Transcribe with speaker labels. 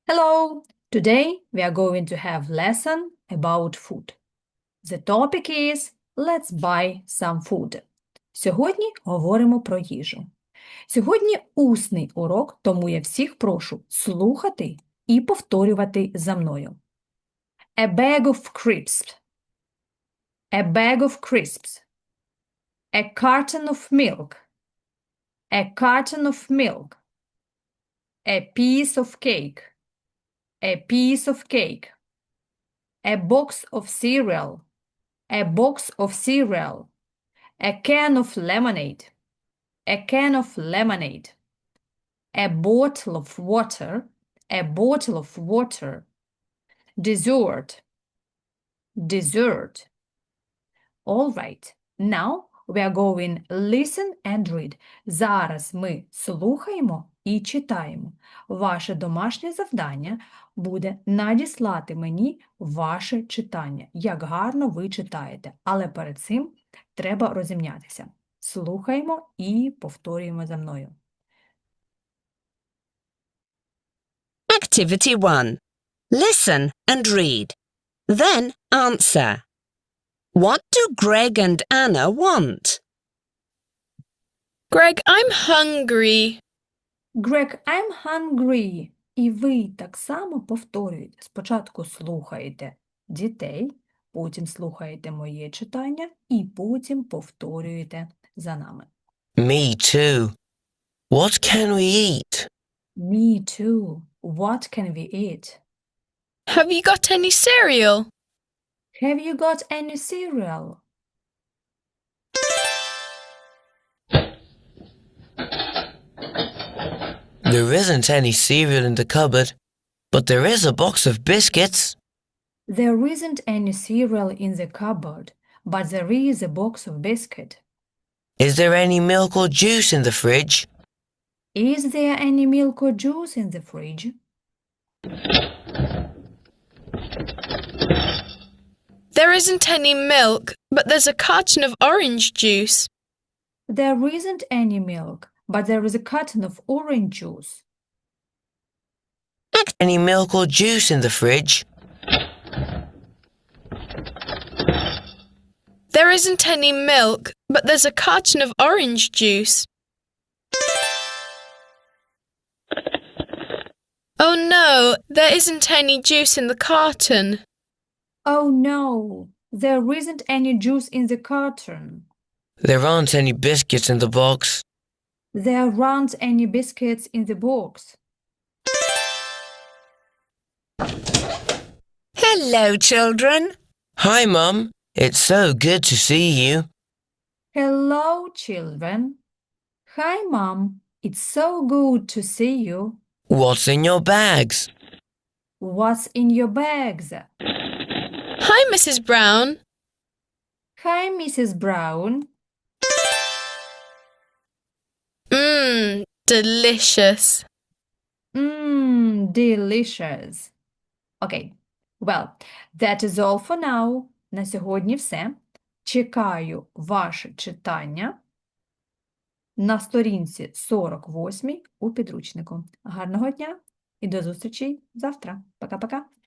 Speaker 1: Hello! Today we are going to have lesson about food. The topic is Let's buy some food. Сьогодні говоримо про їжу. Сьогодні усний урок, тому я всіх прошу слухати і повторювати за мною. A bag of crisps. A bag of crisps. A carton of milk. A carton of milk. A piece of cake. A piece of cake. A box of cereal. A box of cereal. A can of lemonade. A can of lemonade. A bottle of water. A bottle of water. Dessert. Dessert. All right. Now we are going listen and read. Зараз ми слухаємо і читаємо. Ваше домашнє завдання буде надіслати мені ваше читання, як гарно ви читаєте. Але перед цим треба розім'ятися. Слухаємо і повторюємо за мною.
Speaker 2: Activity 1. Listen and read. Then answer. What do Greg and Anna want?
Speaker 3: Greg, I'm hungry.
Speaker 1: Greg, I'm hungry. І ви так само повторюєте. Спочатку слухаєте дітей, потім слухаєте моє читання і потім повторюєте за нами.
Speaker 4: Me too. What can we eat?
Speaker 1: Me too. What can we eat?
Speaker 3: Have you got any cereal?
Speaker 1: Have you got any cereal?
Speaker 4: There isn't any cereal in the cupboard, but there is a box of biscuits.
Speaker 1: There isn't any cereal in the cupboard, but there is a box of biscuit.
Speaker 4: Is there any milk or juice in the fridge?
Speaker 1: Is there any milk or juice in the fridge?
Speaker 3: There isn't any milk, but there's a carton of orange juice.
Speaker 1: There isn't any milk, but there is a carton of orange juice.
Speaker 4: Any milk or juice in the fridge?
Speaker 3: There isn't any milk, but there's a carton of orange juice. Oh no, there isn't any juice in the carton.
Speaker 1: Oh no, there isn't any juice in the carton.
Speaker 4: There aren't any biscuits in the box.
Speaker 1: There aren't any biscuits in the box.
Speaker 2: Hello, children.
Speaker 4: Hi, Mum. It's so good to see you.
Speaker 1: Hello, children. Hi, Mom. It's so good to see you.
Speaker 4: What's in your bags?
Speaker 1: What's in your bags?
Speaker 3: Hi, Mrs. Brown.
Speaker 1: Hi, Mrs. Brown.
Speaker 3: Delicious.
Speaker 1: Delicious. Okay. Well, that is all for now. На сьогодні все. Чекаю ваше читання на сторінці 48 у підручнику. Гарного дня і до зустрічі завтра. Пока-пока.